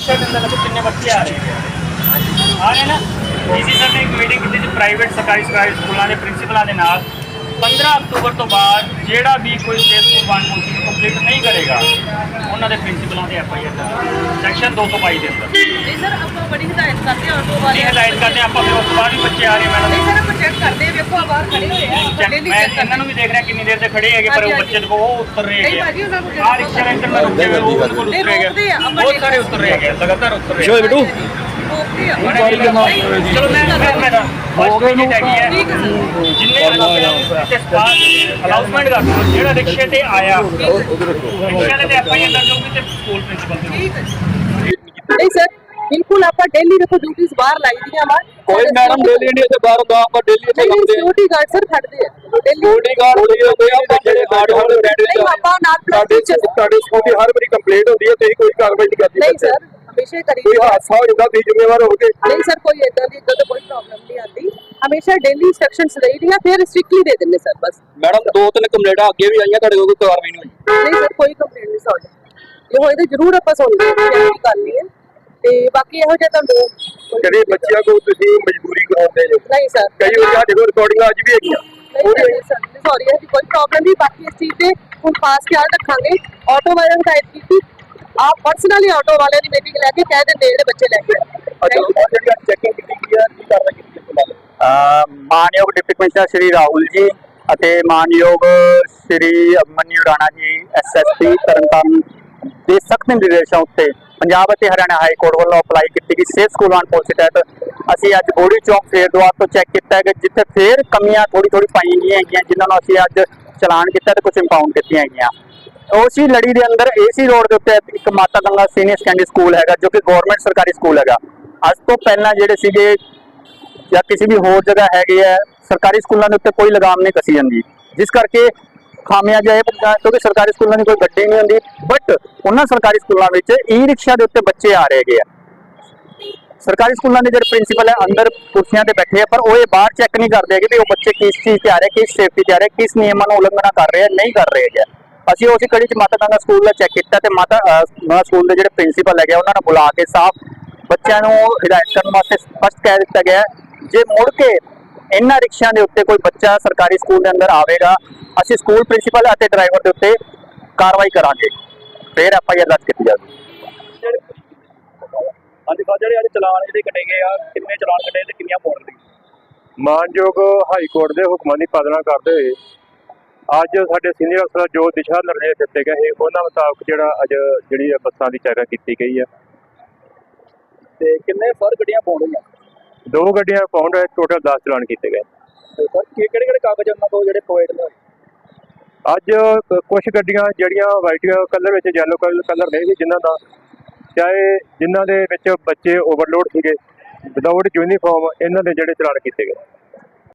Rickshaw के अंदर देखो कितने बच्चे आ रहे हैं, आ रहे हैं ना। डीसी सर ने एक मीटिंग की थी प्राइवेट सरकारी स्कूलों के प्रिंसीपलों के नाल 15 अक्टूबर तो बाद ਜਿਹੜਾ भी कोई स्टेट स्कूल 1 को कंप्लीट नहीं करेगा उन्होंने प्रिंसीपलों के FIR सैक्शन 222 के अंदर नहीं सर ਆਪਾਂ ਬੜੀ ਹਦਾਇਤ ਕਰਦੇ ਹਾਂ ਆਟੋ ਵਾਲੇ हदायत करते हैं। आप फिर उस बाद भी बच्चे आ रहे हैं मैडम ਨਹੀਂ ਸਰ ਆਪਾਂ ਚੈੱਕ ਕਰਦੇ ਹਾਂ ਵੇਖੋ ਆ ਬਾਹਰ ਖੜੇ ਹੋਏ ਆ ਆਪਾਂ ਡੇਲੀ मैं ਚੈੱਕ इन्होंने भी देख रहा कितनी देर से खड़े है पर वो बच्चे को वो उतर रहे नहीं भाजी, उन्होंने हैं। रिक्शा के अंदर में रुके हुए वो बिल्कुल नहीं, उतरे रोकते हैं, गए, अपन बहुत सारे उतर रहे हैं, लगातार उतर रहे हैं। रोकते हैं चलो मैं हो गई हैगी है ठीक है सर जिन्हें अनाउंसमेंट कर दो जेड़ा रिक्शे ते आया रिक्शे ते FIR दर्ज होगी ते स्कूल प्रिंसिपल ते ठीक है नहीं सर बिल्कुल आप डेली देखो ड्यूटीज बाहर लाई दी हमार कोई मैडम डेली नहीं ते बाहर ਹੁੰਦਾ ਆਪਾਂ डेली ਇੱਥੇ नहीं ਕਰਦੇ ਹਾਂ। सिक्योरिटी गार्ड सर खड़ਦੇ ਆ डेली ਸਿਕਿਉਰਿਟੀ ਗਾਰਡ ਹੋਈ ਹੁੰਦੇ ਆ ਪਰ ਜਿਹੜੇ ਗਾਰਡ ਹੋਣ ਬੈਠੇ नहीं पापा नाल ਸਾਡੇ ਤੁਹਾਡੇ ਸਕੂਲ ਦੀ ਹਰ ਵਾਰੀ ਕੰਪਲੇਂਟ ਹੁੰਦੀ ਹੈ ਤੁਸੀਂ ਕੋਈ ਕਾਰਵਾਈ ਨਹੀਂ ਕਰਦੇ नहीं सर हमेशा करी ਕੋਈ ਹਾਦਸਾ ਹੋ ਜਾਂਦਾ ਤੁਸੀਂ ਜ਼ਿੰਮੇਵਾਰ ਹੋਗੇ नहीं सर कोई इतना तो कोई प्रॉब्लम नहीं आती हमेशा डेली इंस्ट्रक्शंस रही दी फिर स्ट्रिक्टली दे देंगे सर बस ਮੈਡਮ ਦੋ ਤਿੰਨ ਕੰਪਲੇਂਟਾਂ ਅੱਗੇ ਵੀ ਆਈਆਂ ਤੁਹਾਡੇ ਕੋਲ ਕੋਈ ਕਾਰਵਾਈ ਨਹੀਂ ਹੋਈ नहीं सर कोई कंप्लेंट नहीं सॉरी ये होए तो जरूर ਆਪਾਂ ਸੁਣਦੇ ਹਾਂ ਕੋਈ ਗੱਲ ਨਹੀਂ ਹੈ ਤੇ ਬਾਕੀ ਇਹੋ ਜਿਹਾ ਤੁਹਾਨੂੰ ਜਿਹੜੇ ਬੱਚਿਆਂ ਕੋਲ ਤੁਸੀਂ ਮਜਬੂਰੀ ਕਰਾਉਂਦੇ ਜੋ ਨਹੀਂ ਸਰ ਕਈ ਵਾਰ ਸਾਡੇ ਕੋਲ ਰਿਕਾਰਡਿੰਗਾਂ ਅੱਜ ਵੀ ਹੈਗੀਆਂ ਨਹੀਂ ਸਰ ਸੌਰੀ ਹੈ ਕੋਈ ਪ੍ਰੋਬਲਮ ਨਹੀਂ ਬਾਕੀ ਇਸ ਚੀਜ਼ ਤੇ ਹੁਣ ਖਾਸ ਖਿਆਲ ਰੱਖਾਂਗੇ ਆਟੋ ਵਾਲਿਆਂ ਨੂੰ ਹਦਾਇਤ ਕੀਤੀ ਆਪ ਪਰਸਨਲੀ ਆਟੋ ਵਾਲਿਆਂ ਦੀ ਮੀਟਿੰਗ ਲੈ ਕੇ ਕਹਿ ਦਿੰਦੇ ਜਿਹੜੇ ਬੱਚੇ ਲੈ ਕੇ ਅੱਛਾ ਉਹ ਜਿਹੜੀ ਚੈਕਿੰਗ ਕੀਤੀ ਗਈ ਹੈ ਕੀ ਕਾਰਵਾਈ ਕੀਤੀ ਗਈ ਹੈ ਮਾਨਯੋਗ ਡਿਪਟੀ ਕਮਿਸ਼ਨਰ ਸ਼੍ਰੀ ਰਾਹੁਲ ਜੀ ਅਤੇ ਮਾਨਯੋਗ ਸ਼੍ਰੀ ਮਨੀ ਰਾਣਾ ਜੀ SSP ਤਰਨਤਾਰਨ ਦੇ ਸਖਤ ਨਿਰਦੇਸ਼ਾਂ ਉੱਤੇ ਪੰਜਾਬ ਅਤੇ ਹਰਿਆਣਾ ਹਾਈ ਕੋਰਟ ਵੱਲੋਂ ਅਪਲਾਈ ਕੀਤੀ ਗਈ ਸੇਫ ਸਕੂਲ ਐਂਡ ਪਾਲਿਸੀ ਤਹਿਤ ਅਸੀਂ ਅੱਜ ਬੋੜੀ ਚੌਕ ਫੇਰ ਦੁਆਰ ਤੋਂ ਚੈੱਕ ਕੀਤਾ ਹੈ ਕਿ ਜਿੱਥੇ ਫੇਰ ਕਮੀਆਂ ਥੋੜੀ ਪਾਈਆਂ ਗਈਆਂ ਹੈਗੀਆਂ ਜਿਨ੍ਹਾਂ ਨੂੰ ਅਸੀਂ ਅੱਜ ਚਲਾਨ ਕੀਤਾ ਤੇ ਕੁਝ ਇੰਪਾਊਂਡ ਕੀਤੀਆਂ ਹੈਗੀਆਂ। ਉਸੇ ਲੜੀ ਦੇ ਅੰਦਰ AC ਰੋਡ ਦੇ ਉੱਤੇ ਇੱਕ ਮਾਤਾ ਗੰਗਾ ਸੀਨੀਅਰ ਸੈਕੰਡਰੀ ਸਕੂਲ ਹੈਗਾ ਜੋ ਕਿ ਗਵਰਨਮੈਂਟ ਸਰਕਾਰੀ ਸਕੂਲ ਹੈਗਾ। ਅੱਜ ਤੋਂ ਪਹਿਲਾਂ ਜਿਹੜੇ ਸੀਗੇ ਜਾਂ ਕਿਸੇ ਵੀ ਹੋਰ ਜਗ੍ਹਾ ਹੈਗੇ ਆ ਸਰਕਾਰੀ ਸਕੂਲਾਂ ਦੇ ਉੱਤੇ ਕੋਈ ਲਗਾਮ ਨਹੀਂ ਕਸੀ ਜਾਂਦੀ ਜਿਸ ਕਰਕੇ ਖਾਮਿਆਜਾ ਇਹ ਕਿਉਂਕਿ ਸਰਕਾਰੀ ਸਕੂਲਾਂ ਦੀ ਕੋਈ ਗੱਡੀ ਨਹੀਂ ਹੁੰਦੀ ਬਟ ਉਹਨਾਂ ਸਰਕਾਰੀ ਸਕੂਲਾਂ ਵਿੱਚ ਰਿਕਸ਼ਾ ਦੇ ਉੱਤੇ ਬੱਚੇ ਆ ਰਹੇ ਹੈਗੇ ਆ। ਸਰਕਾਰੀ ਸਕੂਲਾਂ ਦੇ ਜਿਹੜੇ ਪ੍ਰਿੰਸੀਪਲ ਹੈ ਅੰਦਰ ਕੁਰਸੀਆਂ ਤੇ ਬੈਠੇ ਆ ਪਰ ਉਹ ਇਹ ਬਾਹਰ ਚੈੱਕ ਨਹੀਂ ਕਰਦੇ ਕਿ ਉਹ ਬੱਚੇ ਕਿਸ ਚੀਜ਼ ਤੇ ਆ ਰਹੇ ਕਿਸ ਸੇਫਟੀ ਤੇ ਆ ਰਹੇ ਕਿਸ ਨਿਯਮਾਂ ਨੂੰ ਉਲੰਘਣਾ ਕਰ ਰਹੇ ਆ ਨਹੀਂ ਕਰ ਰਹੇ ਹੈਗੇ। ਅਸੀਂ ਉਸੇ ਕੜੀ 'ਚ ਮਾਤਾ ਗੰਗਾ ਸਕੂਲ ਦਾ ਚੈੱਕ ਕੀਤਾ ਤੇ ਮਾਤਾ ਸਕੂਲ ਦੇ ਜਿਹੜੇ ਪ੍ਰਿੰਸੀਪਲ ਹੈਗੇ ਉਹਨਾਂ ਨੂੰ ਬੁਲਾ ਕੇ ਸਾਫ਼ ਬੱਚਿਆਂ ਨੂੰ ਹਿਦਾਇਤ ਕਰਨ ਵਾਸਤੇ ਸਪਸ਼ਟ ਕਹਿ ਦਿੱਤਾ ਗਿਆ ਜੇ ਮੁੜ ਕੇ ਇਹਨਾਂ ਰਿਕਸ਼ਿਆਂ ਦੇ ਉੱਤੇ ਕੋਈ ਬੱਚਾ ਸਰਕਾਰੀ ਸਕੂਲ ਦੇ ਅੰਦਰ ਆਵੇਗਾ ਅਸੀਂ ਸਕੂਲ ਪ੍ਰਿੰਸੀਪਲ ਅਤੇ ਡਰਾਈਵਰ ਦੇ ਉੱਤੇ ਕਾਰਵਾਈ ਕਰਾਂਗੇ ਫਿਰ FIR ਦਰਜ ਕੀਤੀ ਜਾਵੇਗੀ। ਅੱਜ ਜਿਹੜੇ ਅੱਜ ਚਲਾਨ ਜਿਹੜੇ ਕੱਟੇ ਗਏ ਆ ਕਿੰਨੇ ਚਲਾਨ ਕੱਟੇ ਤੇ ਕਿੰਨੀਆਂ ਪੌਂਡ ਦੀ ਮਾਨਯੋਗ ਹਾਈ ਕੋਰਟ ਦੇ ਹੁਕਮਾਂ ਦੀ ਪਾਲਣਾ ਕਰਦੇ ਹੋਏ ਅੱਜ ਸਾਡੇ ਸੀਨੀਅਰ ਅਫਸਰ ਜੋ ਦਿਸ਼ਾ ਨਿਰਦੇਸ਼ ਦਿੱਤੇ ਗਏ ਉਹਨਾਂ ਮੁਤਾਬਕ ਜਿਹੜਾ ਅੱਜ ਜਿਹੜੀ ਬੱਸਾਂ ਦੀ ਚੈਕਿੰਗ ਕੀਤੀ ਗਈ ਹੈ ਤੇ ਕਿੰਨੇ ਸਰ ਗੱਡੀਆਂ ਪਾਉਣ ਹੋਈਆਂ 2 ਗੱਡੀਆਂ ਪਾਉਂਡ ਟੋਟਲ 10 ਚਲਾਨ ਕੀਤੇ ਗਏ। ਸਰ ਕਿਹੜੇ ਕਾਗਜ਼ ਉਹਨਾਂ ਕੋਲ ਜਿਹੜੇ ਪ੍ਰੋਵਾਈਡ ਨੇ ਅੱਜ ਕੁਝ ਗੱਡੀਆਂ ਜਿਹੜੀਆਂ ਵਾਈਟ ਕਲਰ ਵਿੱਚ ਯੈਲੋ ਕਲਰ ਨਹੀਂ ਸੀ ਜਿਨ੍ਹਾਂ ਦਾ ਚਾਹੇ ਜਿਨ੍ਹਾਂ ਦੇ ਵਿੱਚ ਬੱਚੇ ਓਵਰਲੋਡ ਸੀਗੇ ਵਿਦਆਊਟ ਯੂਨੀਫਾਰਮ ਇਹਨਾਂ ਦੇ ਜਿਹੜੇ ਚਲਾਨ ਕੀਤੇ ਗਏ।